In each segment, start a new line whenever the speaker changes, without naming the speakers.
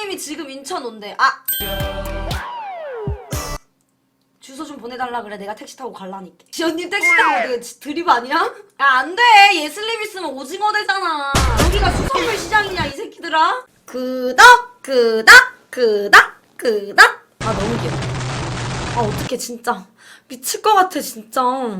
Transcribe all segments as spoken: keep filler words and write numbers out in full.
예슬님이 지금 인천 온대. 아 주소 좀 보내달라 그래. 내가 택시 타고 갈라니까. 지연님 택시 타고 어디 드립 아니야? 야 안돼. 예슬님 있으면 오징어 되잖아. 여기가 수산물 시장이냐 이 새끼들아. 그닥 그닥 그닥 그닥. 아 너무 귀여워. 아 어떡해 진짜 미칠 것 같아 진짜.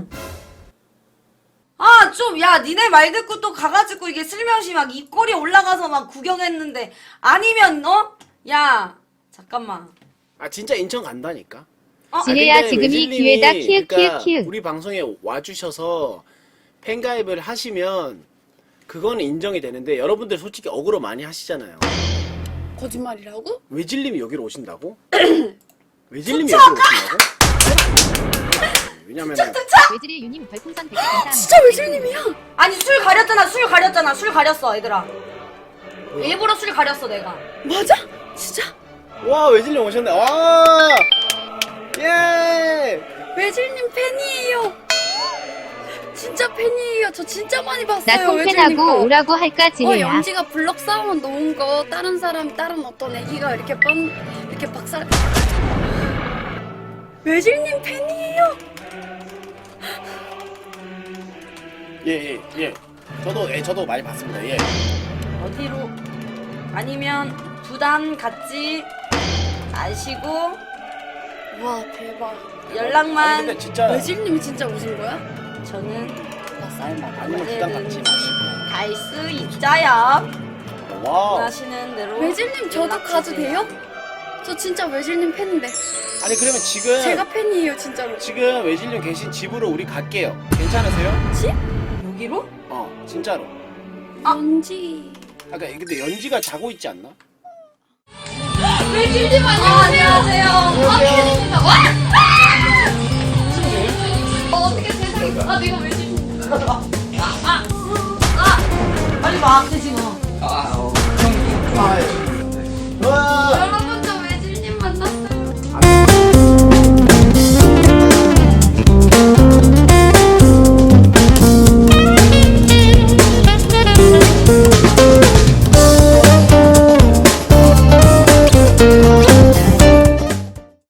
아 좀 야 니네 말 듣고 또 가가지고 이게 슬며시 막 입꼬리 올라가서 막 구경했는데 아니면 어? 야 잠깐만.
아 진짜 인천 간다니까.
어?
지혜야
근데
지금이
외질님이
기회다 키읔
그러니까
키읔 키읔.
우리 방송에 와주셔서 팬가입을 하시면 그거는 인정이 되는데 여러분들 솔직히 억울로 많이 하시잖아요.
거짓말이라고?
외질님이 여기로 오신다고? 외질님이 여기로 오신다고? 왜냐면은
외질의 유님 별풍선 백 개 감사합니다.
진짜 외질님이야.
아니 술 가렸잖아 술 가렸잖아 술 가렸어 얘들아. 일부러 술 가렸어 내가.
맞아? 진짜?
와 외질님 오셨네. 와 예.
외질님 팬이에요. 진짜 팬이에요. 저 진짜 많이 봤어요.
나
외질님
통팬하고
거.
오라고 할까
어,
지혜야.
영지가 블럭 사원 놓은 거 다른 사람 다른 어떤 애기가 이렇게 뻔 이렇게 박살. 외질님 팬이에요.
예예 예, 예. 저도 예 저도 많이 봤습니다. 예.
어디로 아니면 부담 갖지 마시고
와 대박.
아니
연락만.
근데 진짜
외질님이 진짜 오신 거야?
저는
나 쌀 먹어.
아니면 부담 갖지 마시고.
갈 수 있자야.
와.
원하시는 대로
외질님 저도
연락
가도
주세요.
돼요? 저 진짜 외질님 팬인데.
아니 그러면 지금
제가 팬이에요 진짜로.
지금 외질님 계신 집으로 우리 갈게요. 괜찮으세요?
집?
여기로?
어 진짜로.
아.
연지.
아까 근데 연지가 자고 있지 않나?
외질님 안녕하세요.
안녕하세요.
어떻게 세상에 아 내가 외질님. 아, 아, 아, 빨리 와. 되지 마.
아, 어. 형, 아, 예.